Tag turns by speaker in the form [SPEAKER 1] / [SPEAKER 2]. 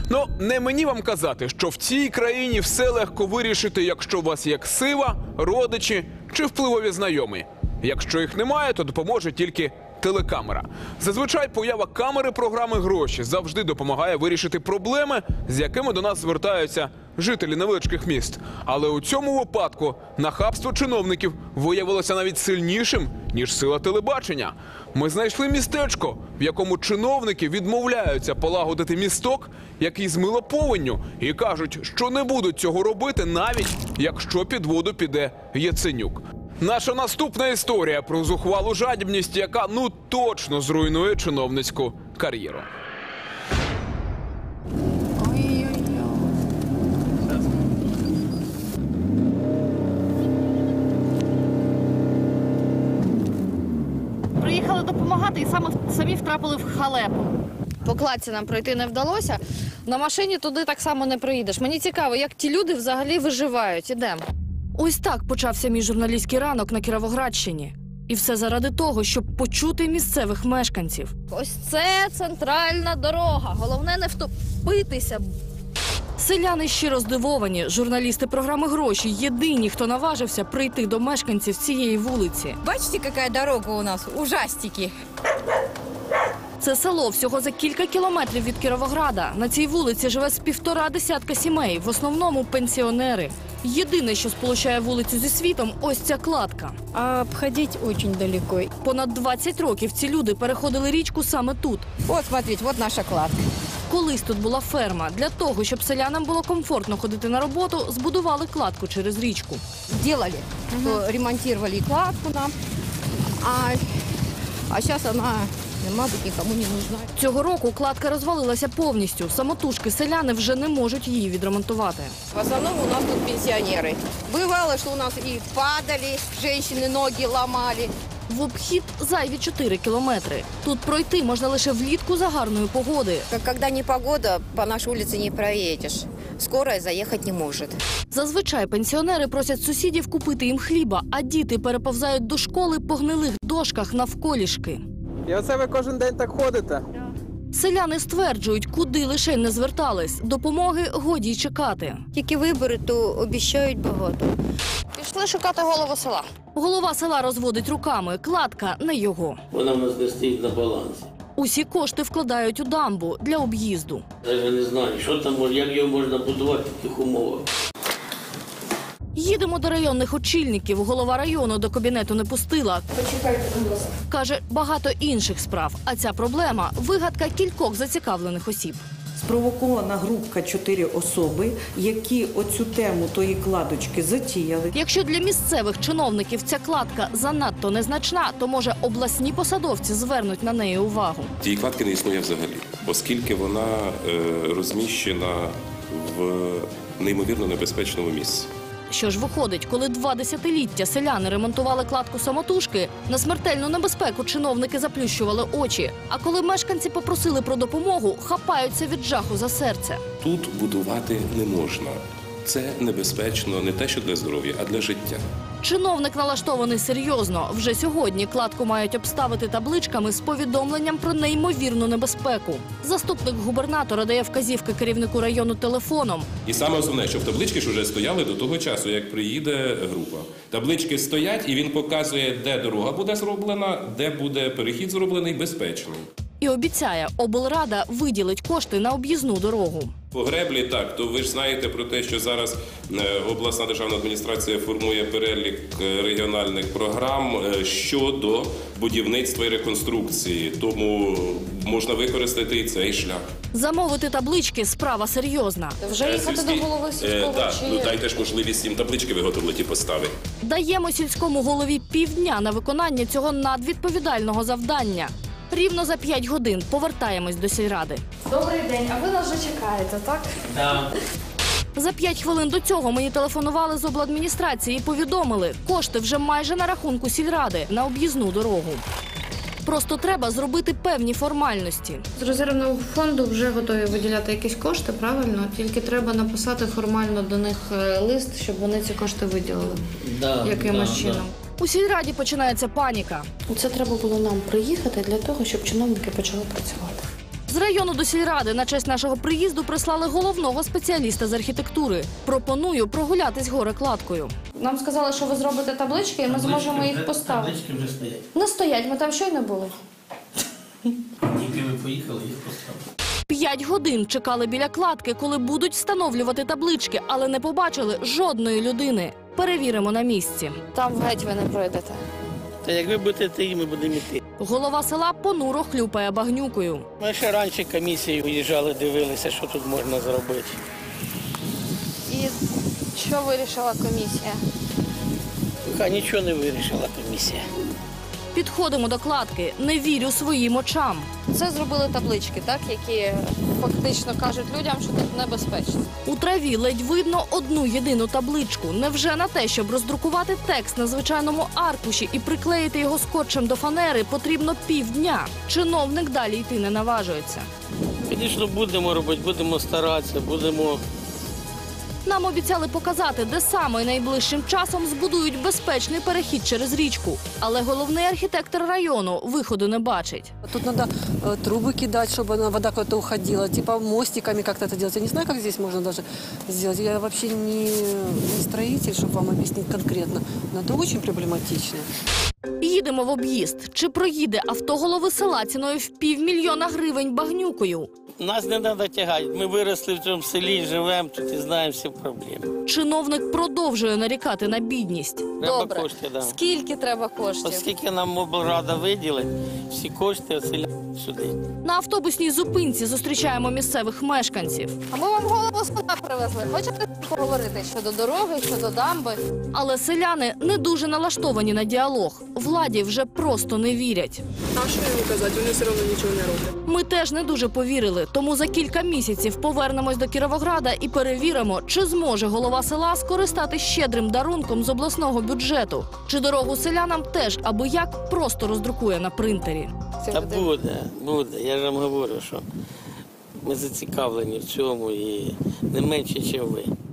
[SPEAKER 1] Ну, не мені вам казати, що в цій країні все легко вирішити, якщо у вас є ксива, родичі чи впливові знайомі. Якщо їх немає, то допоможе тільки телекамера. Зазвичай поява камери програми «Гроші» завжди допомагає вирішити проблеми, з якими до нас звертаються жителі невеличких міст. Але у цьому випадку нахабство чиновників виявилося навіть сильнішим, ніж сила телебачення. Ми знайшли містечко, в якому чиновники відмовляються полагодити місток, який змило повенню, і кажуть, що не будуть цього робити, навіть якщо під воду піде Яценюк. Наша наступна історія про зухвалу жадібність, яка точно зруйнує чиновницьку кар'єру.
[SPEAKER 2] Приїхали допомагати і самі втрапили в халепу. По кладці нам пройти не вдалося. На машині туди так само не проїдеш. Мені цікаво, як ті люди взагалі виживають. Ідемо. Ось так почався мій журналістський ранок на Кіровоградщині. І все заради того, щоб почути місцевих мешканців. Ось це центральна дорога. Головне не втопитися. Селяни щиро здивовані. Журналісти програми «Гроші» єдині, хто наважився прийти до мешканців цієї вулиці.
[SPEAKER 3] Бачите, яка дорога у нас? Ужастики.
[SPEAKER 2] Це село всього за кілька кілометрів від Кіровограда. На цій вулиці живе з 1,5 десятка сімей, в основному пенсіонери. Єдине, що сполучає вулицю зі світом – ось ця кладка.
[SPEAKER 3] А обходить очень далеко.
[SPEAKER 2] Понад 20 років ці люди переходили річку саме тут.
[SPEAKER 3] Вот, смотрите, вот наша кладка.
[SPEAKER 2] Колись тут була ферма. Для того, щоб селянам було комфортно ходити на роботу, збудували кладку через річку.
[SPEAKER 3] Делали, то ремонтировали кладку нам, а сейчас она, мабуть, никому не нужна.
[SPEAKER 2] Цього року кладка розвалилася повністю. Самотужки селяни вже не можуть її відремонтувати.
[SPEAKER 3] В основном у нас тут пенсионеры. Бывало, что у нас и падали, женщины ноги ломали.
[SPEAKER 2] В обхід зайві 4 кілометри. Тут пройти можна лише влітку за гарної погоди.
[SPEAKER 3] Когда непогода, по нашей улице не проедешь. Скорая заехать не может.
[SPEAKER 2] Зазвичай пенсіонери просять сусідів купити їм хліба, а діти переповзають до школи по гнилих дошках навколішки.
[SPEAKER 4] І оце ви кожен день так ходите?
[SPEAKER 2] Селяни стверджують, куди лише не звертались. Допомоги годі й чекати.
[SPEAKER 3] Тільки вибори, то обіцяють багато.
[SPEAKER 2] Пішли шукати голову села. Голова села розводить руками. Кладка не його.
[SPEAKER 5] Вона в нас не стоїть на балансі.
[SPEAKER 2] Усі кошти вкладають у дамбу для об'їзду.
[SPEAKER 5] Я не знаю, що там, як його можна будувати в таких умовах.
[SPEAKER 2] Їдемо до районних очільників. Голова району до кабінету не пустила.
[SPEAKER 3] Почекайте, будь ласка.
[SPEAKER 2] Каже, багато інших справ. А ця проблема – вигадка кількох зацікавлених осіб.
[SPEAKER 6] Спровокована групка 4 особи, які оцю тему тої кладочки затіяли.
[SPEAKER 2] Якщо для місцевих чиновників ця кладка занадто незначна, то, може, обласні посадовці звернуть на неї увагу.
[SPEAKER 7] Тієї кладки не існує взагалі, оскільки вона розміщена в неймовірно небезпечному місці.
[SPEAKER 2] Що ж виходить, коли 2 десятиліття селяни ремонтували кладку самотужки, на смертельну небезпеку чиновники заплющували очі. А коли мешканці попросили про допомогу, хапаються від жаху за серце.
[SPEAKER 7] Тут будувати не можна. Це небезпечно не те, що для здоров'я, а для життя.
[SPEAKER 2] Чиновник налаштований серйозно. Вже сьогодні кладку мають обставити табличками з повідомленням про неймовірну небезпеку. Заступник губернатора дає вказівки керівнику району телефоном.
[SPEAKER 7] І саме основне, що в таблички ж вже стояли до того часу, як приїде група. Таблички стоять, і він показує, де дорога буде зроблена, де буде перехід зроблений безпечний.
[SPEAKER 2] І обіцяє, облрада виділить кошти на об'їзну дорогу.
[SPEAKER 7] По греблі так, то ви ж знаєте про те, що зараз обласна державна адміністрація формує перелік регіональних програм щодо будівництва і реконструкції. Тому можна використати і цей шлях.
[SPEAKER 2] Замовити таблички – справа серйозна.
[SPEAKER 3] Вже їхати до голови сільського
[SPEAKER 7] Так,
[SPEAKER 3] чи...
[SPEAKER 7] дайте ж можливість їм таблички виготовити і поставити.
[SPEAKER 2] Даємо сільському голові півдня на виконання цього надвідповідального завдання. Рівно за 5 годин повертаємось до сільради.
[SPEAKER 8] Добрий день, а ви нас вже чекаєте, так?
[SPEAKER 5] Так.
[SPEAKER 2] За 5 хвилин до цього мені телефонували з обладміністрації і повідомили, кошти вже майже на рахунку сільради на об'їзну дорогу. Просто треба зробити певні формальності.
[SPEAKER 8] З резервного фонду вже готові виділяти якісь кошти, правильно? Тільки треба написати формально до них лист, щоб вони ці кошти виділили якимось чином.
[SPEAKER 2] У сільраді починається паніка.
[SPEAKER 8] Це треба було нам приїхати для того, щоб чиновники почали працювати.
[SPEAKER 2] З району до сільради на честь нашого приїзду прислали головного спеціаліста з архітектури. Пропоную прогулятись горе-кладкою.
[SPEAKER 8] Нам сказали, що ви зробите таблички, і ми зможемо їх поставити.
[SPEAKER 5] Таблички вже стоять.
[SPEAKER 8] Не стоять, ми там щойно були.
[SPEAKER 5] Тільки ви поїхали, їх поставили.
[SPEAKER 2] 5 годин чекали біля кладки, коли будуть встановлювати таблички, але не побачили жодної людини. Перевіримо на місці. Там геть ви не пройдете.
[SPEAKER 5] Та як ви будете йти, ми будемо йти.
[SPEAKER 2] Голова села понуро хлюпає багнюкою.
[SPEAKER 5] Ми ще раніше комісії виїжджали, дивилися, що тут можна зробити.
[SPEAKER 2] І що вирішила комісія?
[SPEAKER 5] Поки нічого не вирішила комісія.
[SPEAKER 2] Підходимо до кладки. Не вірю своїм очам. Це зробили таблички, так, які фактично кажуть людям, що тут небезпечно. У траві ледь видно одну єдину табличку. Невже на те, щоб роздрукувати текст на звичайному аркуші і приклеїти його скотчем до фанери, потрібно півдня? Чиновник далі йти не наважується.
[SPEAKER 5] Звісно, будемо робити, будемо старатися, будемо...
[SPEAKER 2] Нам обіцяли показати, де саме найближчим часом збудують безпечний перехід через річку. Але головний архітектор району виходу не бачить.
[SPEAKER 9] Тут надо трубы кидать, чтобы вода куда-то уходила, типа мостиками как-то это делать. Я не знаю, как здесь можно даже сделать. Я вообще не строитель, чтобы вам объяснить конкретно. Но это очень проблематично.
[SPEAKER 2] Їдемо в об'їзд. Чи проїде авто голови села ціною в 500 000 гривень багнюкою?
[SPEAKER 5] Нас не треба тягати. Ми виросли в цьому селі, живемо тут і знаємо всі проблеми.
[SPEAKER 2] Чиновник продовжує нарікати на бідність.
[SPEAKER 5] Треба кошти, да.
[SPEAKER 2] Скільки треба коштів?
[SPEAKER 5] Оскільки нам облрада виділить, всі кошти оселяють сюди.
[SPEAKER 2] На автобусній зупинці зустрічаємо місцевих мешканців. А ми вам голову села привезли. Хочете поговорити щодо дороги, щодо дамби? Але селяни не дуже налаштовані на діалог. Владі вже просто не вірять.
[SPEAKER 10] А що йому казати? Вони все одно нічого не роблять.
[SPEAKER 2] Ми теж не дуже повірили, тому за кілька місяців повернемось до Кіровограда і перевіримо, чи зможе голова села скористати щедрим дарунком з обласного бюджету. Чи дорогу селянам теж аби як просто роздрукує на принтері.
[SPEAKER 5] Та буде. Я ж вам говорю, що ми зацікавлені в цьому і не менше, ніж ви.